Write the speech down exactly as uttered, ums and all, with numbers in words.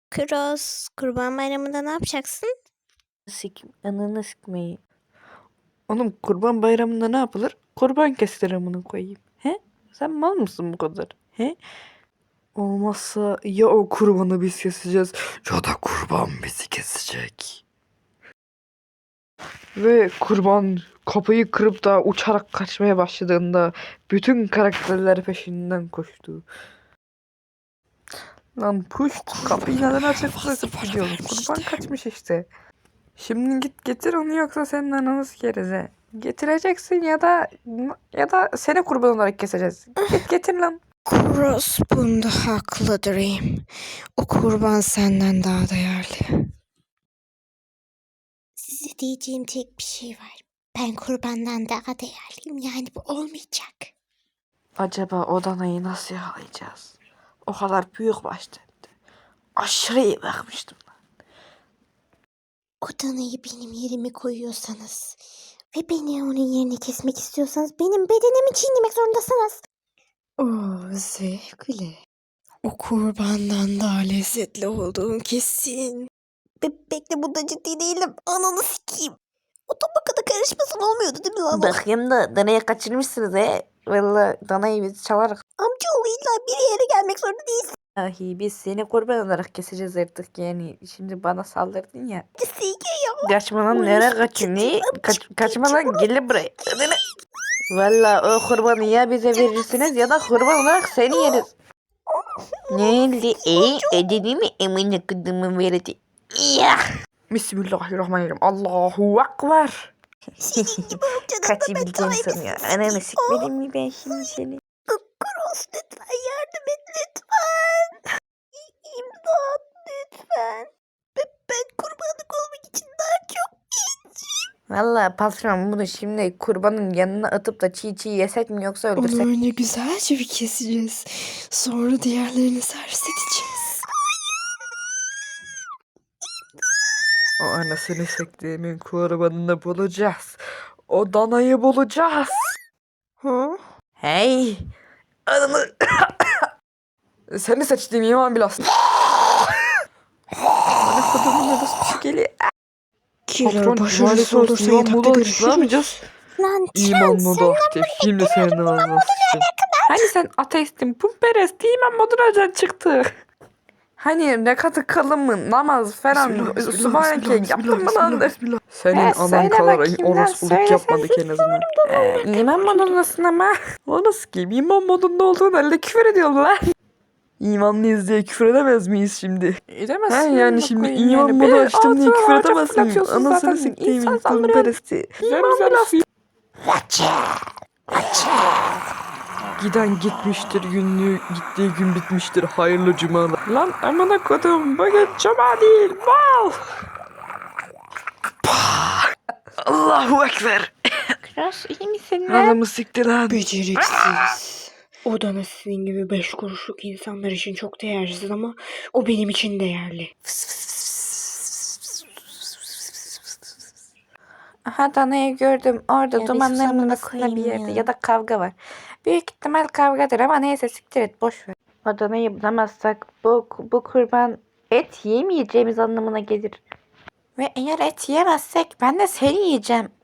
Cross, Kurban Bayramı'nda ne yapacaksın? Sik, ananı sikmeyi. Oğlum kurban bayramında ne yapılır? Kurban kesilir amına koyayım. He? Sen mal mısın bu kadar? He? Olmazsa ya o kurbanı biz keseceğiz ya da kurban bizi kesecek. Ve kurban kapıyı kırıp da uçarak kaçmaya başladığında bütün karakterler peşinden koştu. Lan puş kapıyı neden açıp bırakıp gidiyorsun? Kurban kaçmış işte. Şimdi git getir onu yoksa senin ananı sikeriz he. Getireceksin ya da ya da seni kurban olarak keseceğiz. Git getir lan. Cross bunda haklı Dream. O kurban senden daha değerli. Size diyeceğim tek bir şey var. Ben kurbandan daha değerliyim, yani bu olmayacak. Acaba o danayı nasıl yakalayacağız? O kadar büyük baştı. Aşırı iyi bakmıştım. O danayı benim yerime koyuyorsanız ve beni onun yerine kesmek istiyorsanız benim bedenimi çiğnemek zorundasınız. Oo, zevkli. O kurbandan daha lezzetli olduğun kesin. Be bekle, bunda ciddi değilim. Ananı sikeyim. O tabakada karışmasın olmuyordu değil mi lan? Bakayım da danayı kaçırmışsınız he. Valla danayı biz çalarız. Amcaoğlu illa bir yere gelmek zorunda değilsin. Ahi biz seni kurban olarak keseceğiz artık yani. Şimdi bana saldırdın ya. Sike ya. Kaçma lan, nereye kaçıyorsun? Ne? Kaç, kaçma lan, gel buraya. Valla o kurbanı ya bize verirsiniz ya da kurban olarak seni yeriz. Ne oldu? E, ödedi mi? Emine kızımı verdi. Ya. Bismillahirrahmanirrahim. Allahu Ekber. Kaçabileceğini sanıyor. Ananı sikmedim mi ben şimdi seni? Cross, lütfen yardım et lütfen. İmdat lütfen. Ben, ben kurbanlık olmak için daha çok Valla patron bunu şimdi kurbanın yanına atıp da çiğ çiğ yesek mi yoksa öldürsek? Onu önce güzelce bir keseceğiz. Sonra diğerlerini servis edeceğiz. O anasını sektiğimin kurbanını bulacağız. O danayı bulacağız. Hı? Hey. Ananı. Seni seçtiğim iman bilası. Bana kodumun orası geliyor. Killer başarısız olursa yatakta görüşürüz. Lan İman modu aktif. Şimdi senin ağzına sıçtım. Hani sen ateistin, pumperest, iman moduna çıktı. Hani ne katı kalın mı, namaz falan, subhaneke yaptın mı lan? Senin He, anan söyle kadar bakayım lan, orospuluk söyle, yapmadık en azından. Ee, iman modundasın ama. O nasıl ki? İman modunda olduğun halde küfür ediyorsun lan. İmanlıyız diye küfür edemez miyiz şimdi? Edemezsin. He yani şimdi iman modu açtım diye küfür edemezsin. Anasını siktiğimin pumperesti. Zemzem Giden gitmiştir, günlüğü gittiği gün bitmiştir. Hayırlı cumalar. Lan amına kodum, bugün cuma değil, mal. Allahu Ekber. Cross, iyi misin lan? Adamı siktir lan. Beceriksiz. O da sizin gibi beş kuruşluk insanlar için çok değersiz ama o benim için değerli. Aha danayı gördüm. Orada Ya dumanların bir arasında koyayım bir yerde ya. ya da kavga var. Büyük ihtimal kavgadır ama neyse siktir et, boş ver. O danayı bulamazsak bu, bu kurban et yemeyeceğimiz anlamına gelir. Ve eğer et yemezsek ben de seni yiyeceğim.